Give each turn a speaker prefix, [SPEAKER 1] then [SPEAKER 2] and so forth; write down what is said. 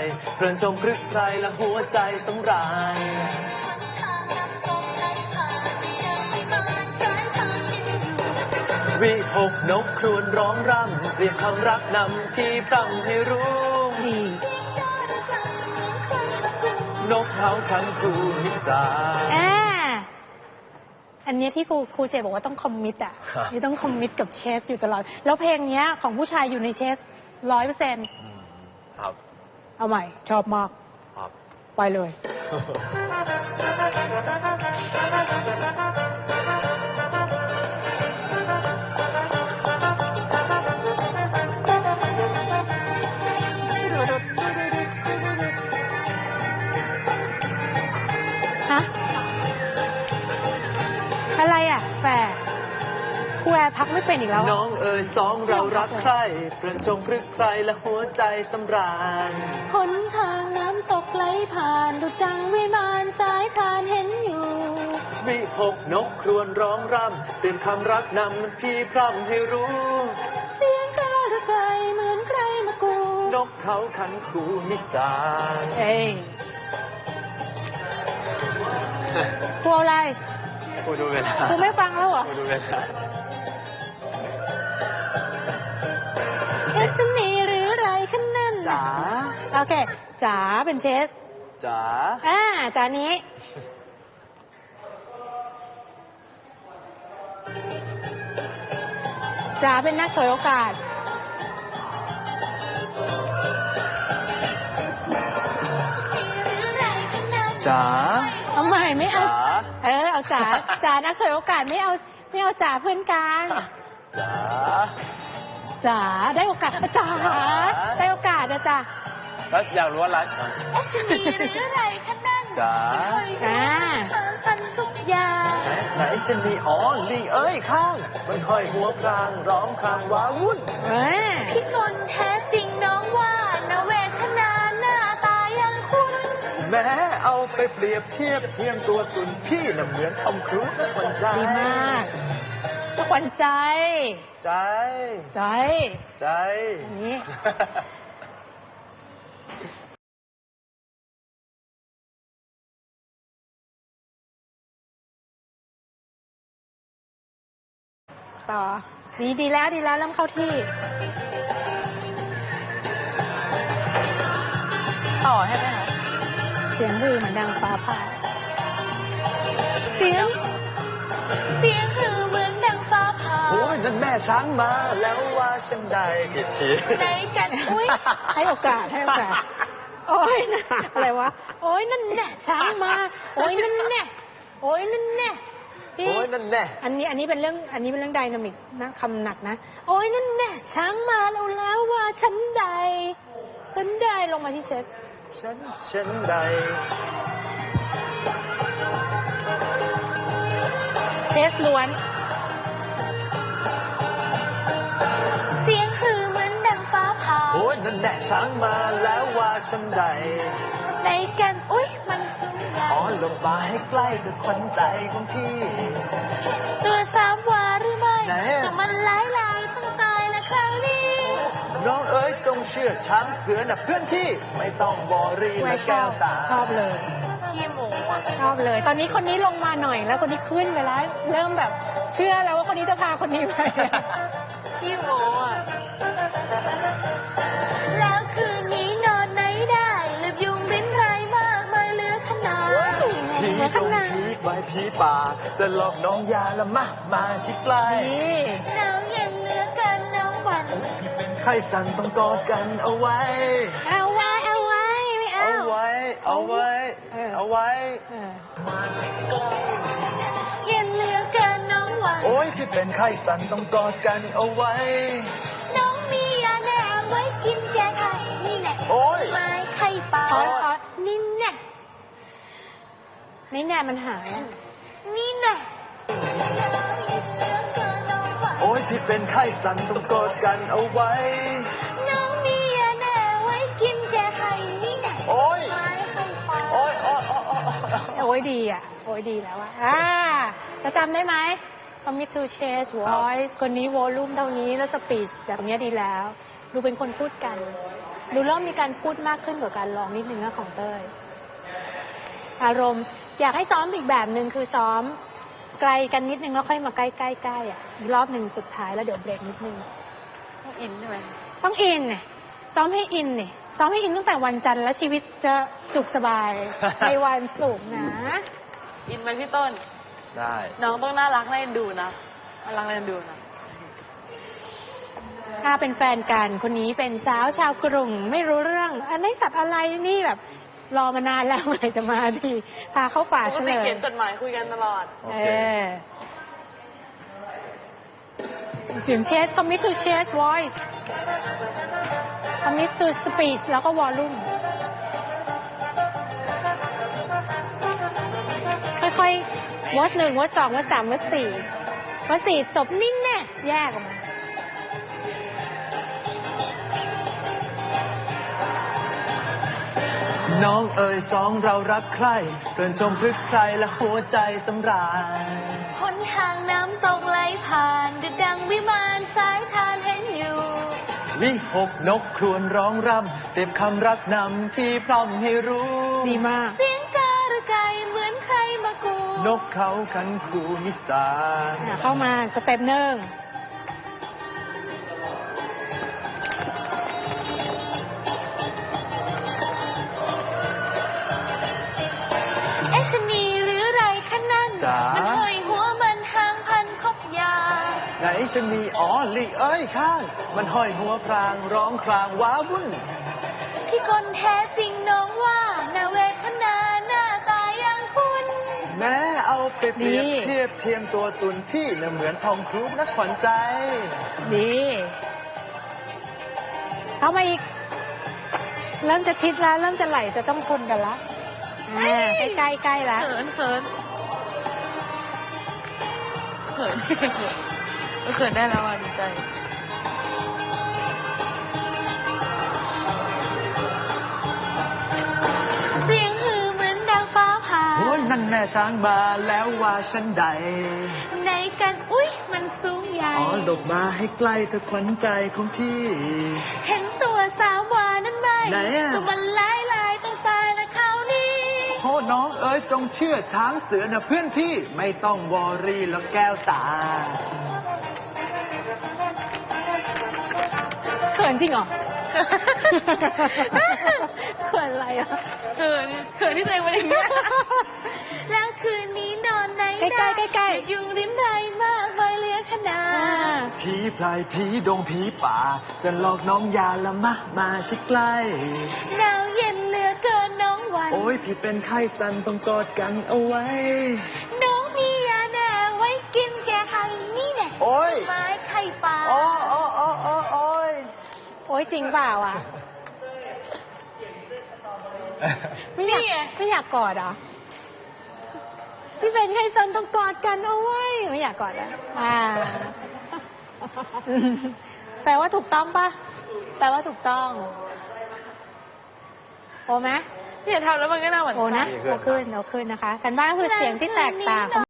[SPEAKER 1] เพลินชมพรึกไพรและหัวใจสำราญวิหกนกครวญร้องรำเรียกคำรักนำพี่พร่ำให้รู้นกเขาทั้งคู่มิสา
[SPEAKER 2] อันนี้ที่ครูเจบอกว่าต้องคอมมิตอ่ะนี่ต้องคอมมิตกับเชสอยู่ตลอดแล้วเพลงนี้ของผู้ชายอยู่ในเชส100%
[SPEAKER 1] ครับ
[SPEAKER 2] เอาใหม่ชอบมากไปเลยอะไรอ่ะแฝดครูแอร์พักไม่เป็นอีกแล้ว
[SPEAKER 1] น้องเอ๋ยสองเรารักใครเปลี่ยนชมพรึกใครและหัวใจสำราญ
[SPEAKER 2] หนทางน้ำตกไหลผ่านดุจดังวิมานสายทานเห็นอยู่
[SPEAKER 1] วิหกนกครวญร้องรำเตือนคำรักนำพี่พร่ำให้รู้
[SPEAKER 2] เสียงกระรไกลเหมือนใครมากู
[SPEAKER 1] นกเขาขันคูมิสาน
[SPEAKER 2] ครูอะไร
[SPEAKER 1] ครูดูเวลา
[SPEAKER 2] ครูไม่ฟังแล้วเหรอ
[SPEAKER 1] ครูดูเวลา
[SPEAKER 2] สนีหรือไรขันนั่น
[SPEAKER 1] จ๋า
[SPEAKER 2] โอเคจ๋าเป็นเชส
[SPEAKER 1] จ๋า
[SPEAKER 2] จ๋านี้จ๋าเป็นนักฉวยโอกาส
[SPEAKER 1] จ๋า
[SPEAKER 2] เอาใหม่ไม่เอาเอาจ๋านักฉวยโอกาสไม่เอาจ๋าเพื่อนกันจ๋าได้โอกาสจ๋าได้โอกาสนะจ๊ะ
[SPEAKER 1] แล้วอยากรู้อะไร
[SPEAKER 2] มีหรืออะไรคะนั่น
[SPEAKER 1] จ๋า
[SPEAKER 2] ทันทุกอย่าง
[SPEAKER 1] ไหนฉันมีลิงเอ้ยข้างมันห้อยหัวพรางร้องครางว้าวุ่น
[SPEAKER 2] พี่นนท์แท้จริงน้องว่านาเวทนาหน้าตายังคุ้น
[SPEAKER 1] แม้เอาไปเปรียบเทียบเทียมตัวตุนพี่น่ะเหมือนทอมครูซขวัญใจ
[SPEAKER 2] ดีมากขวัญใจนี่ต่อดีแล้วเริ่มเข้าที่ต่อให้ไหมคะเสียงฮือเหมือนดังฟ้าผ่าเสียงฮือเหมือนดังฟ้าผ่า
[SPEAKER 1] โอ้ยนั่นแม่ช้างมาแล้วว่าฉันได้ผิดที
[SPEAKER 2] ไหนกันอุ้ยให้โอกาสโอ้ยอะไรวะโอ้ยนั่นแน่ช้างมาโอ้ยนั่นแน่
[SPEAKER 1] โอ้ยนั่นแน่
[SPEAKER 2] อันนี้เป็นเรื่องไดนามิกนะคำหนักนะโอ้ยนั่นแน่ช้างมาแล้วว่าฉันได้ลงมาที่เชส
[SPEAKER 1] ฉันใด
[SPEAKER 2] เชสล้วนเสียงคือเหมือนดังฟ้าผ่า
[SPEAKER 1] โอ้ยนั่นแน่ช้างมาแล้วว่าฉันใด
[SPEAKER 2] ในกันอุ้ยมันสูงใหญ่
[SPEAKER 1] ลงมาให้ใกล้กับขวัญใจของพี่
[SPEAKER 2] ตัว3 วาหรือไม่แต่มันหลายต้องตายแล้วคราวนี้
[SPEAKER 1] น้องเอ๋ยจงเชื่อช้างเสือน่ะเพื่อนพี่ไม่ต้องบอรีและแก้วตา
[SPEAKER 2] ชอบเลยพี่หมูชอบเลยตอนนี้คนนี้ลงมาหน่อยแล้วคนนี้ขึ้นไปแล้วเริ่มแบบเชื่อแล้วว่าคนนี้จะพาคนนี้ไปพี่หมูแล้วคืนนี้นอนไหนได้ลืมยุงบินไรมากมายเหลือขนาด
[SPEAKER 1] พี่ต้องพีกไว้พี่ป่าจะหลอกน้องยาละมาชิดใกล้
[SPEAKER 2] น้องยังเหลือกันน้องวัน
[SPEAKER 1] ใครสั่นต้องกอดกันเอาไว้
[SPEAKER 2] ไม่เอายังเหลือกันน้องวัน
[SPEAKER 1] โอ้ยพี่เป็นไข้สั่นต้องกอดกันเอาไว้
[SPEAKER 2] น้องมียาแน่ไว้กินแก้ไข้นี่แหละ
[SPEAKER 1] โอ้ย
[SPEAKER 2] ไม่ไข้ป่านี่แน่มันหายนี่แน่
[SPEAKER 1] โอ้ยพี่เป็นไข้สั่นต้องกอดกันเอาไว้
[SPEAKER 2] น้องมียาแน่ไว้กินแก้ไข้นี่แน่
[SPEAKER 1] โอ้ย
[SPEAKER 2] ดีอ่ะโอ้ยดีแล้วจะจำได้ไหม Commit to Change Voice คนนี้วอลลุ่มเท่านี้แล้วสปีชแบบนี้ดีแล้วดูเป็นคนพูดกันดูเริ่มมีการพูดมากขึ้นกว่าการร้องนิดนึงนะของเต้ยอารมณ์อยากให้ซ้อมอีกแบบหนึ่งคือซ้อมไกลกันนิดนึงแล้วค่อยมาใกล้ๆอ่ะอีกรอบหนึ่งสุดท้ายแล้วเดี๋ยวเบรกนิดนึง
[SPEAKER 3] ต้องอินใช่ไหม
[SPEAKER 2] ต้องอินเนี่ยซ้อมให้อินเนี่ยซ้อมให้อินตั้งแต่วันจันทร์แล้วชีวิตจะสุขสบาย ในวันศุกร์นะ
[SPEAKER 3] อินไหมพี่ต้น
[SPEAKER 1] ได้
[SPEAKER 3] น้องต้องน่ารักน่าเอ็นดูนะน่ารักน่าเอ็นดูนะ
[SPEAKER 2] ถ้าเป็นแฟนกันคนนี้เป็นสาวชาวกรุงไม่รู้เรื่อง อันนี้ตัดอะไรนี่แบบ รอมานานแล้วเมื่อไหร่จะมาทีพาเข้าป่า
[SPEAKER 3] ปก
[SPEAKER 2] เฉล
[SPEAKER 3] ติ
[SPEAKER 2] ย
[SPEAKER 3] เขียนจดหมายคุยกันตลอด
[SPEAKER 1] โอ
[SPEAKER 2] เอ
[SPEAKER 1] เค
[SPEAKER 2] อเสียงเชส commit to chest voice commit to speech แล้วก็ volume ค่อยๆวัด1วัด2วัด3วัด4วัด4จบนิ่งแน่แยกออกมา
[SPEAKER 1] น้องเอ๋ยสองเรารักใครเกินชมพลึกใครและหัวใจสำราญ
[SPEAKER 3] หนทางน้ำตกไหลผ่านดุจดังวิมานสายทานเห็นอยู่
[SPEAKER 1] วิหกนกครวญร้องรำเต็มคำรักนำที่พร่ำให้รู้
[SPEAKER 2] ดีมาก
[SPEAKER 3] เสียงการะไก่เหมือนใครมากู
[SPEAKER 1] นกเขาขันคูนิสาน
[SPEAKER 2] เข้ามาสเต็ปหนึ่ง
[SPEAKER 3] เอ๊ะชะนีหรือไรคะนั่น
[SPEAKER 1] จ๋า
[SPEAKER 3] มันห้อยหัวมันหางพันคบยา
[SPEAKER 1] ไหนฉันมีอ๋อลิเอ้ยข้าง มันห้อยหัวพรางร้องครางว้าวุ่น
[SPEAKER 3] ที่คนแท้จริงน้องว่านาเวทนาหน้าตาอย่างคุณ
[SPEAKER 1] แม้เอาไปเปรียบเทียบเทียมตัวตุนพี่น่ะเหมือนทองครูนักขวัญใจ
[SPEAKER 2] ดีเข้ามาอีก เริ่มจะทิศแล้วเริ่มจะไหลจะต้องชนกันละใกล้ๆแล้ว
[SPEAKER 3] เขินเขินเขินเขินได้แล้วอ่ะดีใจ เสียงฮือเหมือนดังฟ้าผ่า
[SPEAKER 1] โอ้ยนั่นแม่ช้างมาแล้วว่าฉันใด
[SPEAKER 3] ในกันอุ๊ยมันสูงใหญ่
[SPEAKER 1] อ๋อหลบมาให้ใกล้เธอขวัญใจของพี่
[SPEAKER 3] เห็นตัวสาววานั้นไหม
[SPEAKER 1] ไหนอะ
[SPEAKER 3] ตัวมันลายต้องตายและเขานี่
[SPEAKER 1] โอ้น้องเอ๋ยจงเชื่อช้างเสือนะเพื่อนพี่ไม่ต้องวอรี่แล้วแก้วตา
[SPEAKER 2] เขินจริงเหรอ เขินอะไรอ่ะ
[SPEAKER 3] เขินที่ตัวเองเป็นอย่างนี้ แล้วคืนนี้นอนไหน
[SPEAKER 2] ใกล้ๆใกล้ๆ
[SPEAKER 3] ยุงริมไรมากมายเหลือขนาด
[SPEAKER 1] ผีพลายผีดงผีป่า จะหลอกน้องยาละมะมาชิดใกล้
[SPEAKER 3] หนาวเย็นเหลือเกินน้องวัน
[SPEAKER 1] โอ้ยพี่เป็นไข้สันต้องกอดกันเอาไว้
[SPEAKER 3] น้องมียาแน่ไว้กินแก้ไขนี่แน่
[SPEAKER 1] โอ้ย
[SPEAKER 3] ไม้ไข่ปลา
[SPEAKER 1] โอ้โอ้โอ้โอ้โอ้ย
[SPEAKER 2] โอ๊ยจริงเปล่าอ่ะ ไม่อยากกอดเหรอ พี่เป็นใครสันต้องกอดกันเอาไว้ไม่อยากกอดอ่ะแปลว่าถูกต้องปะแปลว่าถูกต้อง โอไหม
[SPEAKER 3] เนี่ยทำแล้วมันก็น่าหวั่น
[SPEAKER 2] โอนะ
[SPEAKER 3] ไส้
[SPEAKER 2] โอขึ้นนะคะกันบ้านคือเสียงที่แตกต่าง